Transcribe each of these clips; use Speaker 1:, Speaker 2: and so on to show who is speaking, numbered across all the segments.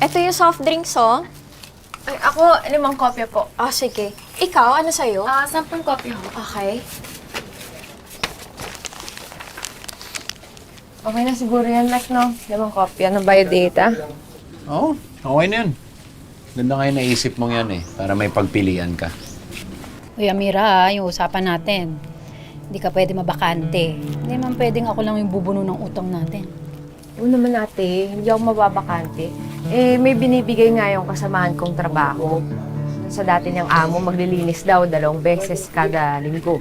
Speaker 1: Ito yung soft drinks, oh.
Speaker 2: Ay, ako, 5 kopya po.
Speaker 1: Ah, sige. Ikaw, ano sa'yo?
Speaker 2: 10 kopya ho.
Speaker 1: Okay.
Speaker 2: Okay na siguro yan, Mac, no? 5 kopya ng biodata.
Speaker 3: Oo, okay na yan. Ganda nga yung naisip mong yan para may pagpilian ka.
Speaker 4: Uy, Amira, yung usapan natin. Hindi ka pwede mabakante. Hindi man pwedeng ako lang yung bubuno ng utang natin.
Speaker 2: Oo naman ate, hindi ako mababakante. May binibigay nga yung kasamahan kong trabaho. Sa dati niyang amo, maglilinis daw 2 beses kada linggo.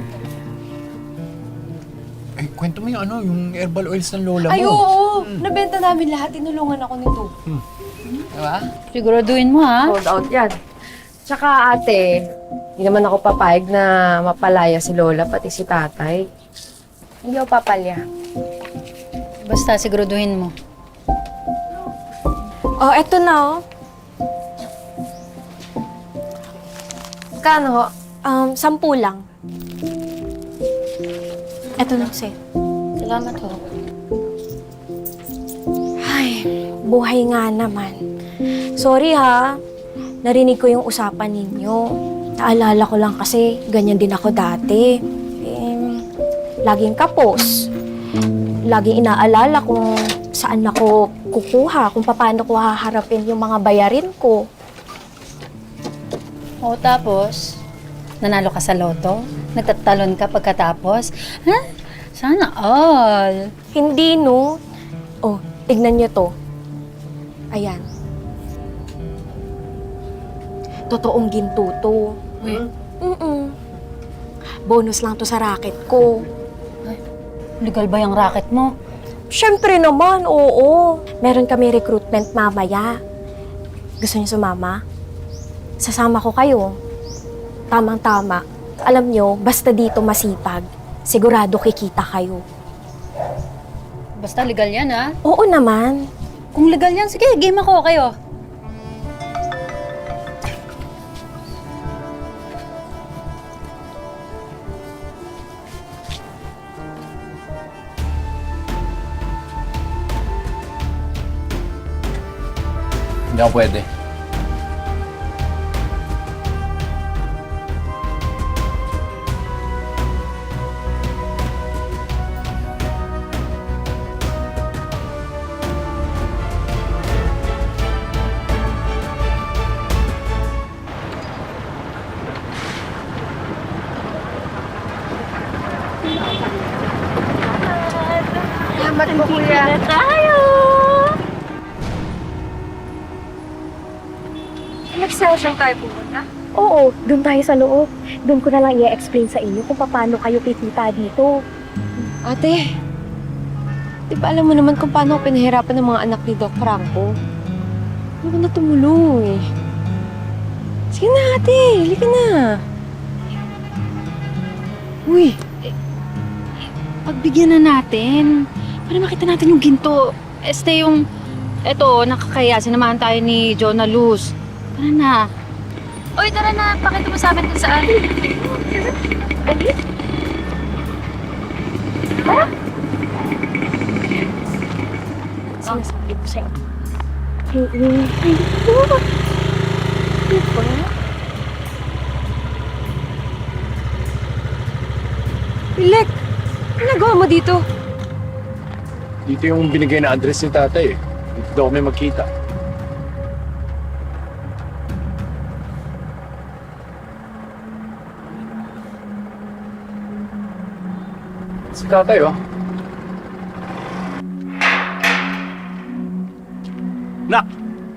Speaker 3: Ay, kwento mo yung herbal oils ng lola mo.
Speaker 2: Ay, oo! Nabenta namin lahat, tinulungan ako nito.
Speaker 3: Diba?
Speaker 4: Siguraduhin mo, ha?
Speaker 2: Sold out yan. Tsaka ate, hindi naman ako papayag na mapalaya si lola, pati si tatay. Hindi ako papalya.
Speaker 4: Basta siguraduhin mo.
Speaker 1: Oh, eto na, oh.
Speaker 2: Kano ho?
Speaker 1: 10 lang. Eto na kasi.
Speaker 4: Salamat, ho.
Speaker 1: Ay, buhay nga naman. Sorry ha, narinig ko yung usapan ninyo. Naalala ko lang kasi ganyan din ako dati. Laging kapos. Laging inaalala kung saan ako kukuha, kung paano ko haharapin yung mga bayarin ko.
Speaker 4: O tapos, nanalo ka sa loto? Nagtatalon ka pagkatapos? Ha? Sana all.
Speaker 1: Hindi, no? Oh, tignan nyo to. Ayan. Totoong ginto to. Bonus lang to sa racket ko.
Speaker 4: Legal ba yung racket mo?
Speaker 1: Siyempre naman, oo. Meron kami recruitment mamaya. Gusto niyo sumama? Sasama ko kayo. Tamang-tama. Alam niyo, basta dito masipag, sigurado kikita kayo.
Speaker 4: Basta legal yan, ha?
Speaker 1: Oo naman.
Speaker 4: Kung legal yan, sige, game ako kayo.
Speaker 3: Hindi ako pwede.
Speaker 2: Salamat po, kuya.
Speaker 1: Tayo!
Speaker 2: Nag-session tayo pumunta.
Speaker 1: Oo, doon tayo sa loob. Doon ko na lang i-explain sa inyo kung paano kayo kikita dito.
Speaker 2: Ate, di ba alam mo naman kung paano ako pinahirapan ng mga anak ni Doc Franco? Hindi ko na tumulong eh. Sige na ate, halika na.
Speaker 4: Uy, pagbigyan na natin. Para makita natin yung ginto. Eto, nakakaya. Sinamahan tayo ni Jonah Luz. Tara na. Uy, tara na. Pakita mo sa amin kung saan.
Speaker 1: Sinasabi ko sa inyo.
Speaker 2: Pilek, ano nagawa mo dito?
Speaker 3: Dito yung binigay na address ni tatay Dito daw kami magkita. Si tatay, Nak!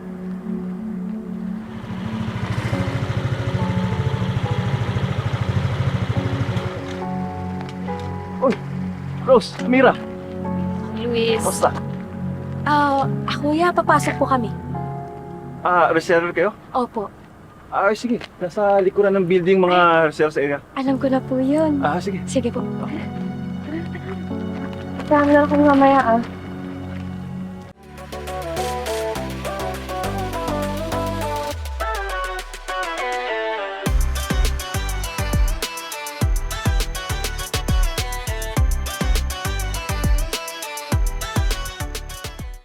Speaker 3: Uy! Rose! Mira!
Speaker 4: Luis.
Speaker 3: Basta.
Speaker 1: Kuya, papasok po kami.
Speaker 5: Reserve kayo?
Speaker 1: Opo.
Speaker 5: Sige. Nasa likuran ng building mga reserve sa area.
Speaker 1: Alam ko na po yun.
Speaker 5: Sige.
Speaker 1: Sige po.
Speaker 2: Kasama na kami mamaya ah.